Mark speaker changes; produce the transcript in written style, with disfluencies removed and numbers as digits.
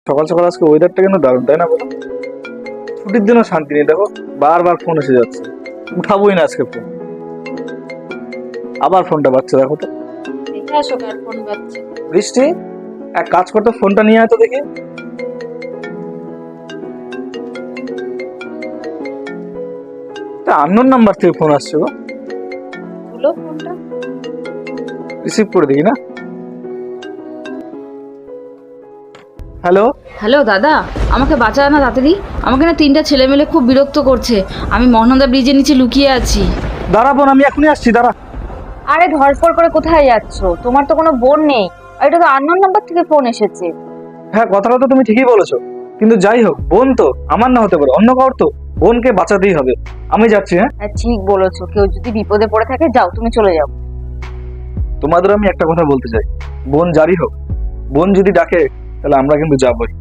Speaker 1: সকাল সকাল আজকে ওয়েদারটা কেন দারুণ, তাই না বলো? ছুটির দিনও শান্তি নেই, দেখো বারবার ফোন এসে যাচ্ছে, উঠাবোই না আজকে ফোন। আবার ফোনটা বাজছে, দেখো তো।
Speaker 2: দেখে আসো কার ফোন বাজছে।
Speaker 1: বৃষ্টি, এক কাজ করতো, ফোনটা নিয়ে আয় তো দেখি। আননোন নাম্বার থেকে ফোন আসছে গো।
Speaker 2: তুলো ফোনটা।
Speaker 1: রিসিভ করে দেখি না। হ্যালো।
Speaker 3: হ্যালো দাদা, আমাকে বাঁচা না তাড়াতাড়ি। আমাকে না 3টা ছেলে মেলে খুব বিরক্ত করছে। আমি মহানন্দা ব্রিজের নিচে লুকিয়ে আছি।
Speaker 1: দাঁড়া বোন, আমি এখনই আসছি, দাঁড়া।
Speaker 2: আরে ধরপড় করে কোথায় যাচ্ছো? তোমার তো কোনো বোন নেই, আর এটা তো আননোন নাম্বার থেকে ফোন এসেছে।
Speaker 1: হ্যাঁ, কথাটা তো তুমি ঠিকই বলেছো, কিন্তু যাই হোক, বোন তো আমার না হতে পারে, অন্য কারোর তো। বোনকে বাঁচাতেই হবে। আমি যাচ্ছি। হ্যাঁ,
Speaker 2: হ্যাঁ ঠিক বলেছো, কেউ যদি বিপদে পড়ে থাকে যাও, তুমি চলে যাও।
Speaker 1: তোমাদের আমি একটা কথা বলতে চাই, বোন যারই হোক, বোন যদি ডাকে তাহলে আমরা কিন্তু যাবই।